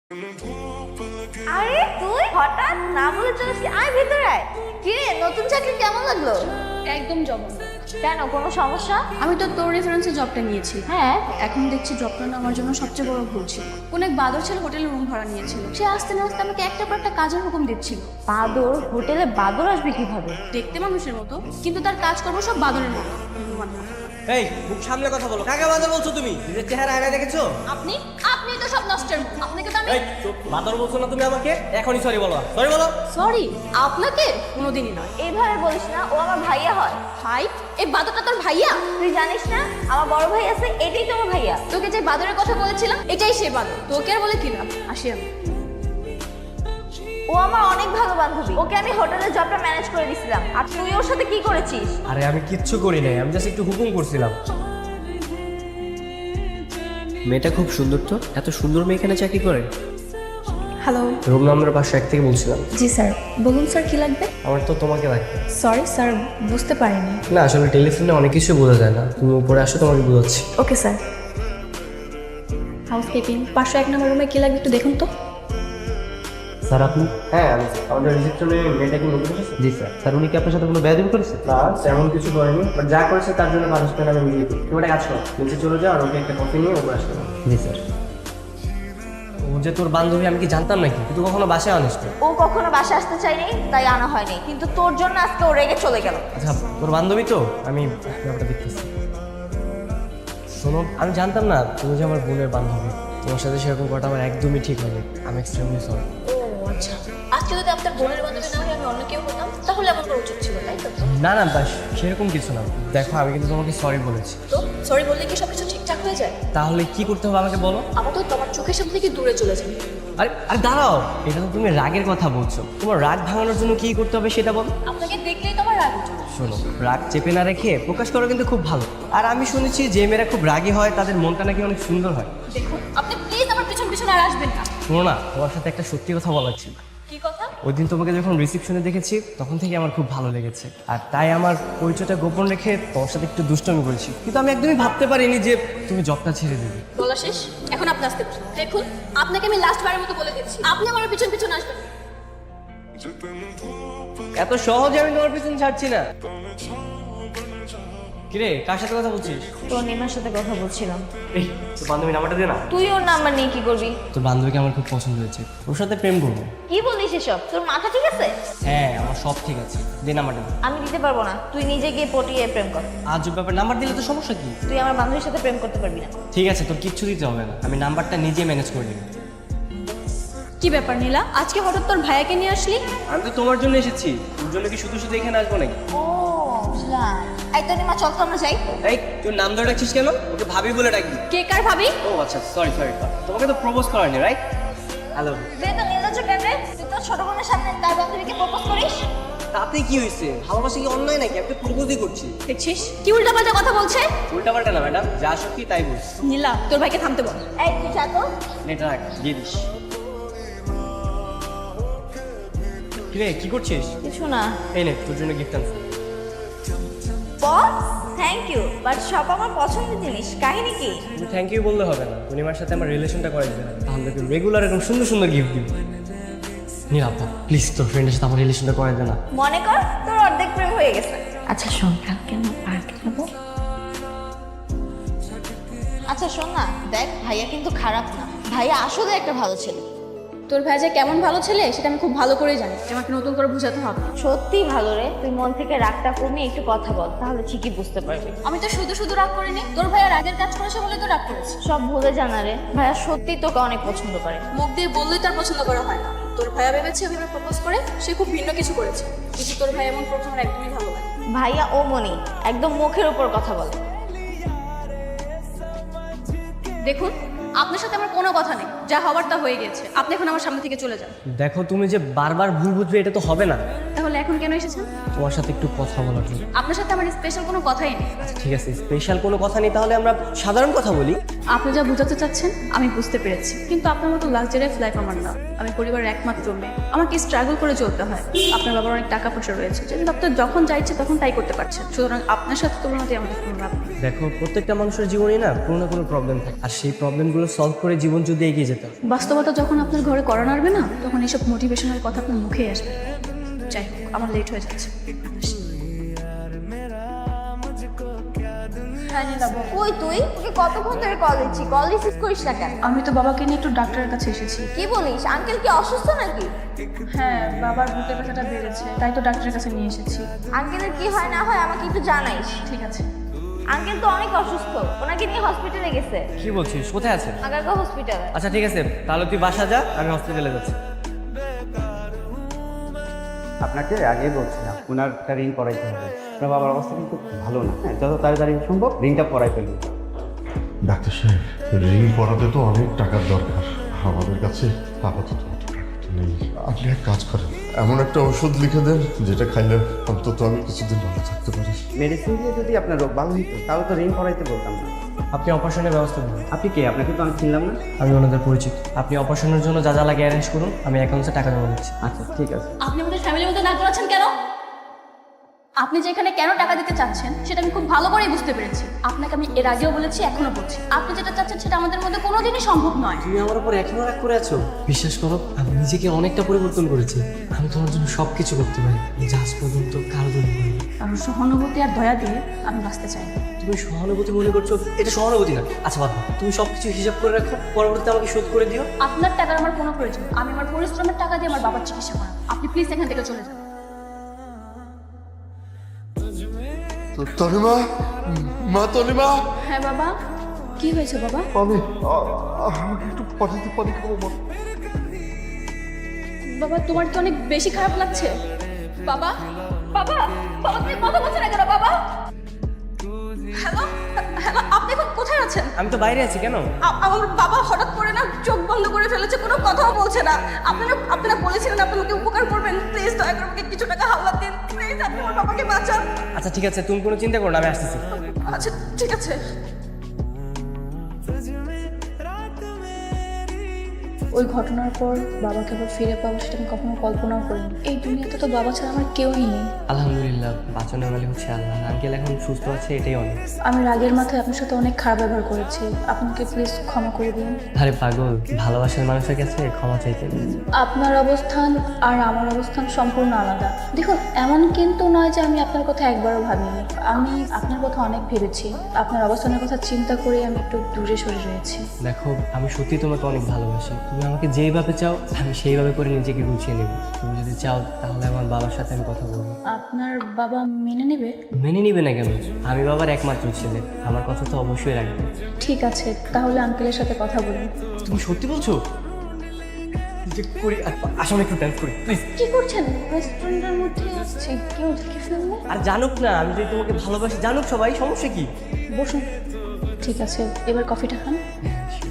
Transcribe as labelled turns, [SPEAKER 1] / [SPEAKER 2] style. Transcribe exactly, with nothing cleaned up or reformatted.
[SPEAKER 1] আরে তুই হঠাৎ না বলে চলে আসলি, আয় ভিতরে আয়। কি রে, নতুন চাকরি কেমন লাগলো?
[SPEAKER 2] একদম জঘন্য।
[SPEAKER 1] কেন, কোনো সমস্যা?
[SPEAKER 2] আমি তো তোর রেফারেন্সে জবটা নিয়েছি।
[SPEAKER 1] হ্যাঁ,
[SPEAKER 2] এখন দেখছি জবটা না আমার জন্য সবচেয়ে বড় ভুল ছিল। কোন এক বাদর ছেলে হোটেলে রুম ভাড়া নিয়েছিল। সে আসতে না আসতে আমাকে একটা পর একটা কাজের হুকুম দিচ্ছিল।
[SPEAKER 1] বাদর হোটেলে বাদর আসবে কিভাবে?
[SPEAKER 2] দেখতে মানুষের মতো, কিন্তু তার কাজ করবো সব বাদরের মতো।
[SPEAKER 3] এই মুখ সামলে কথা বলো। কাকে বাদর বলছো তুমি? নিজের চেহারা আয়নায় দেখেছো?
[SPEAKER 2] আপনি আপনি তো সব নষ্টের মুখ। আপনাকে তো আমি
[SPEAKER 3] এই চুপ, বাদর বলছো না তুমি আমাকে? এখনই সরি বলো, সরি বলো।
[SPEAKER 2] সরি, আপনাকে কোনোদিনই নয়।
[SPEAKER 1] এইভাবে বলিস না, ও আমার ভাইয়া হয়।
[SPEAKER 2] ভাই, এই বাদরটা তোর ভাইয়া?
[SPEAKER 1] তুই জানিস না আমার বড় ভাই আছে, এটাই তো আমার ভাইয়া।
[SPEAKER 2] তোকে যে বাদরের কথা বলেছিলাম এটাই সে বাদর। তোকে আর বলে কি লাভ? আসি আমি।
[SPEAKER 1] ও আমার অনেক ভালো বান্ধবী, ওকে আমি হোটেলের জবটা ম্যানেজ করে দিয়েছিলাম। আর তুই ওর সাথে কি করেছিস?
[SPEAKER 3] আরে আমি কিচ্ছু করি নাই, আমি জাস্ট একটু হুকুম করছিলাম। মেয়েটা খুব সুন্দর তো, এত সুন্দর মেয়ে এখানে চাকরি করে।
[SPEAKER 2] হ্যালো।
[SPEAKER 3] রুম নাম্বার পাঁচশো এক থেকে বলছিলাম।
[SPEAKER 2] জি স্যার, বলুন স্যার কি লাগবে?
[SPEAKER 3] আমার তো তোমাকে লাগবে।
[SPEAKER 2] সরি স্যার, বুঝতে পারিনি।
[SPEAKER 3] না আসলে টেলিফোনে অনেক কিছু বোঝা যায় না, তুমি উপরে আসো, তোমাকে বোঝাচ্ছি।
[SPEAKER 2] Okay sir. হাউসকিপিং পাঁচশো এক নম্বর রুমে কি লাগবে একটু দেখুন তো।
[SPEAKER 3] স্যার আপনি? হ্যাঁ আমি আমাদের রিসেপশনে মেয়েটা কি নতুন এসেছে? জি স্যার। স্যার উনি কি আপনার সাথে কোনো বেয়াদবি করেছে? না তেমন কিছু করেনি, বাট যা করেছে তার জন্য পানিশমেন্ট আমি নিয়ে দিই। তুমি একটা কাজ করো, নিচে চলে যাও আর ওকে একটা কফি নিয়ে উপরে আসতে পারো। জি স্যার। ও যে তোর বান্ধবী আমি কি জানতাম নাকি? তুই কখনো বাসায় আনিস তো?
[SPEAKER 1] ও কখনো বাসা আসতে চাইনি, তাই আনা হয়নি, কিন্তু তোর জন্য আজকে ও রেগে চলে গেল।
[SPEAKER 3] আচ্ছা তোর বান্ধবী তো, আমি ব্যাপারটা দেখতেছি। শোনো, আমি জানতাম না তুমি যে আমার বোনের বান্ধবী। তোমার সাথে সেরকম করাটা আমার একদমই ঠিক হয়নি। আমি এক্সট্রিমলি সরি।
[SPEAKER 2] ও আচ্ছা, আজকে যদি আপনার বোনের বান্ধবী না হয়ে আমি অন্য কেউ হতাম তাহলে আমার করা উচিত ছিল, তাই তো?
[SPEAKER 3] না না বাস সেরকম কিছু না। দেখো আমি কিন্তু তোমাকে সরি বলেছি।
[SPEAKER 2] তো সরি বললে কি সব কিছু ঠিকঠাক হয়ে যায়?
[SPEAKER 3] তাহলে কি করতে হবে আমাকে বলো।
[SPEAKER 2] আমার তো তোমার চোখের সামনে থেকে দূরে চলে যাবে।
[SPEAKER 3] আরে আরে দাঁড়াও, এটা তো তুমি রাগের কথা বলছো। তোমার রাগ ভাঙানোর জন্য কি করতে হবে সেটা বলো।
[SPEAKER 2] আপনাকে দেখলেই তো আমার রাগ উঠে।
[SPEAKER 3] শোনো, রাগ চেপে না রেখে প্রকাশ করা কিন্তু খুব ভালো। আর আমি শুনেছি যে মেয়েরা খুব রাগী হয় তাদের মনটা নাকি অনেক সুন্দর হয়।
[SPEAKER 2] দেখুন, আপনি প্লিজ আমার পিছন পিছন আর আসবেন না।
[SPEAKER 3] শোনো না, তোমার সাথে একটা সত্যি কথা বলার ছিল।
[SPEAKER 2] কি কথা?
[SPEAKER 3] ওই দিন তোমাকে যখন রিসেপশনে দেখেছি তখন থেকে আমার খুব ভালো লেগেছে, আর তাই আমার পরিচয়টা গোপন রেখে তোমার সাথে একটু দুষ্টমি করেছি। কিন্তু আমি একদমই ভাবতে পারিনি যে তুমি জবটা ছেড়ে দেবে।
[SPEAKER 2] বলা শেষ, এখন আপনি আসতে পারেন। দেখুন, আপনাকে আমি লাস্ট বারের মতো বলে দিচ্ছি, আপনি আমার পিছন পিছন আসবেন।
[SPEAKER 3] এত সহজে আমি তোমার পিছনে ছাড়ছি না। কিরে, কার সাথে কথা বলছিস?
[SPEAKER 1] তোর নিমার সাথে কথা বলছিলাম।
[SPEAKER 3] এই তোর বান্ধবী নাম্বারটা দে না।
[SPEAKER 1] তুই ওর নাম্বার নিয়ে কি করবি?
[SPEAKER 3] তোর বান্ধবীকে আমার খুব পছন্দ হয়েছে, ওর সাথে প্রেম করবো।
[SPEAKER 1] কি বলিস এসব? তোর মাথা ঠিক আছে?
[SPEAKER 3] হ্যাঁ আমার সব ঠিক আছে, দে নাম্বারটা দে।
[SPEAKER 1] আমি দিতে পারবো না, তুই নিজে গিয়ে পটিয়ে প্রেম কর।
[SPEAKER 3] আজ ব্যাপার, নাম্বার দিলে তো সমস্যা কি?
[SPEAKER 1] তুই আমার বান্ধবীর সাথে প্রেম করতে পারবি না।
[SPEAKER 3] ঠিক আছে, তোর কিচ্ছু দিতে হবে না, আমি নাম্বারটা নিজে ম্যানেজ করে নিব।
[SPEAKER 2] কি ব্যাপার নীলা, আজকে হঠাৎ তোর ভাইয়াকে নিয়ে আসলি?
[SPEAKER 3] আমি তো তোমার জন্য এসেছি, তোর জন্য কি শুধু শুধু এখানে আসবো নাকি?
[SPEAKER 1] ও বুঝলাম। এই তো নিমা, চল তো আমরা যাই।
[SPEAKER 3] এই তোর নাম ধরে ডাকছিস কেন? ওকে ভাবি বলে ডাকবি।
[SPEAKER 2] কে কার ভাবি?
[SPEAKER 3] ও আচ্ছা, সরি সরি। তোমাকে তো প্রপোজ করানি, রাইট? হ্যালো।
[SPEAKER 1] তুই তো নির্লজ্জ কেন রে? তুই তোর ছোট বোনের সামনে তার বান্ধবীকে প্রপোজ করিস?
[SPEAKER 3] তাতে কি হয়েছে? ভালোবাসা কি অন্যায় নাকি? আমি তো প্রপোজই করছি।
[SPEAKER 2] দেখছিস কি উল্টাপাল্টা কথা বলছে?
[SPEAKER 3] উল্টাপাল্টা না ম্যাডাম, যা সত্যি তাই বলছি।
[SPEAKER 2] নীলা, তোর ভাইকে থামতে বল।
[SPEAKER 1] এই তুই যা তো।
[SPEAKER 3] নেটা রাখ, দিয়ে দিস। কিরে কি করছিস?
[SPEAKER 1] কিছু না।
[SPEAKER 3] এই নে তোর জন্য গিফট আনছি।
[SPEAKER 1] বস, থ্যাংক ইউ, বাট সব আমার পছন্দের জিনিস। কাহিনী কি?
[SPEAKER 3] তুমি থ্যাংক ইউ বললে হবে না, পূর্ণিমার সাথে আমার রিলেশনটা করে দিতে হবে, তাহলে তুই রেগুলার এরকম সুন্দর সুন্দর গিফট দিবি। নীলাপা প্লিজ তোর ফ্রেন্ডের সাথে আমার রিলেশনটা করে দে না।
[SPEAKER 1] মনে কর তোর অর্ধেক প্রেম হয়ে গেছে। আচ্ছা শোন, কালকে আমরা পার্কে যাবো। আচ্ছা শোন না, দেখ ভাইয়া কিন্তু খারাপ না, ভাইয়া আসলে একটা ভালো ছেলে।
[SPEAKER 2] তোর ভাই যে কেমন ভালো ছেলে সেটা আমি খুব ভালো করেই জানি, আমাকে নতুন করে বোঝাতে হবে না।
[SPEAKER 1] সত্যি ভালো রে, তুই মন থেকে রাগটা কমিয়ে একটু কথা বল, তাহলে ঠিকই বুঝতে পারবি।
[SPEAKER 2] আমি তো শুধু শুধু রাগ করিনি, তোর ভাইয়া রাগের কাজ করেছে বলে তো রাগ করেছে।
[SPEAKER 1] সব ভুলে জানা রে, ভাইয়া সত্যি তোকে অনেক পছন্দ করে।
[SPEAKER 2] মুখ দিয়ে বললেই তার পছন্দ করা হয় না। তোর ভাইয়া ভেবেছে ওইভাবে প্রপোজ করে সে খুব ভিন্ন কিছু করেছে, কিন্তু তোর ভাই এমন প্রথম আমার একদমই ভালো লাগে।
[SPEAKER 1] ভাইয়া ও মনি একদম মুখের উপর কথা বলে।
[SPEAKER 2] দেখুন, আপনার সাথে আমার কোনো কথা নেই, যা হওয়ার তা হয়ে গেছে। আপনি এখন আমার সামনে থেকে চলে যান।
[SPEAKER 3] দেখো তুমি যে বারবার ভুল বুঝবে এটা তো হবে না।
[SPEAKER 2] তাহলে এখন কেন এসেছেন?
[SPEAKER 3] তোমার সাথে একটু কথা বলার জন্য।
[SPEAKER 2] আপনার সাথে আমার স্পেশাল কোনো কথাই নেই।
[SPEAKER 3] আচ্ছা ঠিক আছে, স্পেশাল কোনো কথা নেই, তাহলে আমরা সাধারণ কথা বলি।
[SPEAKER 2] আপনি যা বোঝাতে চাচ্ছেন আমি বুঝতে পেরেছি, কিন্তু আপনার মতো লাক্সারিয়াস লাইফ আমার না। আমি পরিবারের একমাত্র মেয়ে, আমাকে স্ট্রাগল করে চলতে হয়। আপনার বাবার অনেক টাকা পয়সা রয়েছে, যেটা আপনার যখন যা ইচ্ছে তখন তাই করতে পারছেন, সুতরাং আপনার সাথে তুলনা দিয়ে আমাদের কোনো লাভ নেই।
[SPEAKER 3] দেখো প্রত্যেকটা মানুষের জীবনে না কোনো না কোনো প্রবলেম থাকে, আর সেই প্রবলেমগুলো সলভ করে জীবন যদি এগিয়ে যেতে
[SPEAKER 4] যেতাম।
[SPEAKER 2] বাস্তবতা যখন আপনার ঘরে করা নাড়বে না, তখন এইসব মোটিভেশনাল কথা আপনার মুখেই আসবে। যাই হোক, আমার লেট হয়ে যাচ্ছে।
[SPEAKER 1] কই তুই? ওকে কতক্ষণ ধরে কল দিচ্ছি, কল রিসিভ করিস না কেন?
[SPEAKER 2] আমি তো বাবাকে নিয়ে একটু ডাক্তারের কাছে এসেছি।
[SPEAKER 1] কি বলিস? আঙ্কেল কি অসুস্থ নাকি?
[SPEAKER 2] হ্যাঁ, বাবার বুকের ব্যথাটা বেড়েছে, তাই তো ডাক্তারের কাছে নিয়ে এসেছি।
[SPEAKER 1] আঙ্কেলের কি হয় না হয় আমাকে একটু জানাইস।
[SPEAKER 2] ঠিক আছে।
[SPEAKER 1] আঙ্কেল তো অনেক অসুস্থ, ওনাকে নিয়ে হসপিটালে গেছে।
[SPEAKER 4] কি বলছিস? কোথায় আছে?
[SPEAKER 1] আগারগাঁও হসপিটালে।
[SPEAKER 4] আচ্ছা ঠিক আছে, তাহলে তুই বাসা যা, আমি হসপিটালে যাচ্ছি।
[SPEAKER 5] আপনাকে আগেই বলছিলাম ওনার একটা রিং করাইতে হবে। আপনার বাবার অবস্থা কিন্তু ভালো না, হ্যাঁ যত তাড়াতাড়ি সম্ভব রিংটা পরাই ফেলুন।
[SPEAKER 6] ডাক্তার সাহেব, রিং পরাতে তো অনেক টাকার দরকার, আমাদের কাছে আপাতত অত টাকাটা নেই। আপনি এক কাজ করেন, এমন একটা ওষুধ লিখে দেন যেটা খাইলে অন্তত আমি কিছুদিন ভালো থাকতে পারি।
[SPEAKER 5] মেডিসিন দিয়ে যদি আপনার রোগ ভালো হইতো তাহলে তো রিং করাইতে বলতাম না।
[SPEAKER 4] আপনি অপারেশনের ব্যবস্থা করুন।
[SPEAKER 5] আপনি কে? আপনাকে তো আমি চিনলাম না।
[SPEAKER 4] আমি ওনাদের পরিচিত। আপনি অপারেশনের জন্য যা যা লাগে অ্যারেঞ্জ করুন, আমি অ্যাকাউন্টে টাকা জমা দিচ্ছি।
[SPEAKER 5] আচ্ছা ঠিক আছে।
[SPEAKER 2] আপনি আমাদের ফ্যামিলির মধ্যে না করাচ্ছেন কেন? আপনি যে এখানে কেন টাকা দিতে চাচ্ছেন সেটা আমি খুব ভালো করেই বুঝতে পেরেছি। আপনাকে আমি এর আগেও বলেছি, এখনো বলছি, আপনি যেটা চাচ্ছেন সেটা আমাদের মধ্যে কোনোদিনই সম্ভব নয়।
[SPEAKER 4] তুমি আমার উপর এখনো রাগ করে আছো? বিশ্বাস করো, আমি নিজেকে অনেকটা পরিবর্তন করেছি। আমি তোমার জন্য সব কিছু করতে পারি, আজ পর্যন্ত কারো জন্য করিনি।
[SPEAKER 2] কারণ সহানুভূতি আর দয়া দিয়ে আমি বাঁচতে চাই না।
[SPEAKER 4] তুমি সহানুভূতি মনে করছো? এটা সহানুভূতি না। আচ্ছা বাবা, তুমি সব কিছু হিসাব করে রাখো, পরবর্তীতে আমাকে শোধ করে দিও।
[SPEAKER 2] আপনার টাকার আমার কোনো প্রয়োজন নেই। আমি আমার পরিশ্রমের টাকা দিয়ে আমার বাবার চিকিৎসা করাবো। আপনি প্লিজ এখান থেকে চলে যান।
[SPEAKER 6] তনিমা, মা তনিমা,
[SPEAKER 2] হ্যাঁ বাবা, কি হয়েছে বাবা?
[SPEAKER 6] আমি আ- আমাকে একটু পাঠিয়ে পানি খাবো মা।
[SPEAKER 2] বাবা, তোমার কি অনেক বেশি খারাপ লাগছে? বাবা, বাবা, বাবা তুমি কথা বলছো না কেন বাবা? হ্যালো, হ্যালো, আপনি এখন কোথায় আছেন?
[SPEAKER 4] আমি তো বাইরে আছি। কেন?
[SPEAKER 2] আ- আমার বাবা হঠাৎ করে না চোখ বন্ধ করে ফেলেছে, কোনো কথাও বলছে না। আপনারা আপনারা বলেছিলেন আপনি আমাকে উপকার করবেন, প্লিজ দয়া করে আমাকে কিছু টাকা হাওলাত দিন, প্লিজ আপনি আমার বাবাকে বাঁচান।
[SPEAKER 4] আচ্ছা ঠিক আছে, তুমি কোনো চিন্তা করো না, আমি আসতেছি।
[SPEAKER 2] আচ্ছা ঠিক আছে। ওই ঘটনার পর বাবাকে আবার ফিরে পাবো সেটা আমি কখনো কল্পনাও করিনি। এই দুনিয়াতে তো বাবা ছাড়া আমার কেউই নেই।
[SPEAKER 4] আলহামদুলিল্লাহ, বাঁচানোর মালিক হচ্ছে আল্লাহ। আঙ্কেল এখন সুস্থ আছে, এটাই অনেক।
[SPEAKER 2] আমি রাগের মাথায় আপনার সাথে অনেক খারাপ ব্যবহার করেছি, আপনাকে প্লিজ ক্ষমা করে দিন।
[SPEAKER 4] আরে পাগল, ভালোবাসার মানুষের কাছে ক্ষমা চাইতে নেই।
[SPEAKER 2] আপনার অবস্থান আর আমার অবস্থান সম্পূর্ণ আলাদা। দেখুন, এমন কিন্তু নয় যে আমি আপনার কথা একবারও ভাবিনি। আমি আপনার কথা অনেক ভেবেছি। আপনার অবস্থানের কথা চিন্তা করে আমি একটু দূরে সরে রয়েছি।
[SPEAKER 4] দেখো, আমি সত্যি তোমাকে অনেক ভালোবাসি। তুমি আমাকে যেইভাবে চাও আমি সেইভাবে করে নিজেকে গুছিয়ে নেব। তুমি যদি চাও তাহলে আমার বাবার সাথে আমি কথা বলবো।
[SPEAKER 2] আপনার বাবা মেনে নেবে?
[SPEAKER 4] মেনে নিবে না কেন? আমি বাবার একমাত্র ছেলে, আমার কথা তো অবশ্যই রাখবে।
[SPEAKER 2] ঠিক আছে, তাহলে আঙ্কেলের সাথে কথা বলুন।
[SPEAKER 4] তুমি সত্যি বলছো? যে করি, আসলে একটু ডান্স করি প্লিজ।
[SPEAKER 2] কি করছেন? রেস্টুরেন্টের মধ্যে আসছে, কেউ দেখে ফেললে?
[SPEAKER 4] আর জানুক না আমি যদি তোমাকে ভালোবাসি, জানুক সবাই, সমস্যা কি?
[SPEAKER 2] বসুন। ঠিক আছে, এবার কফিটা খান।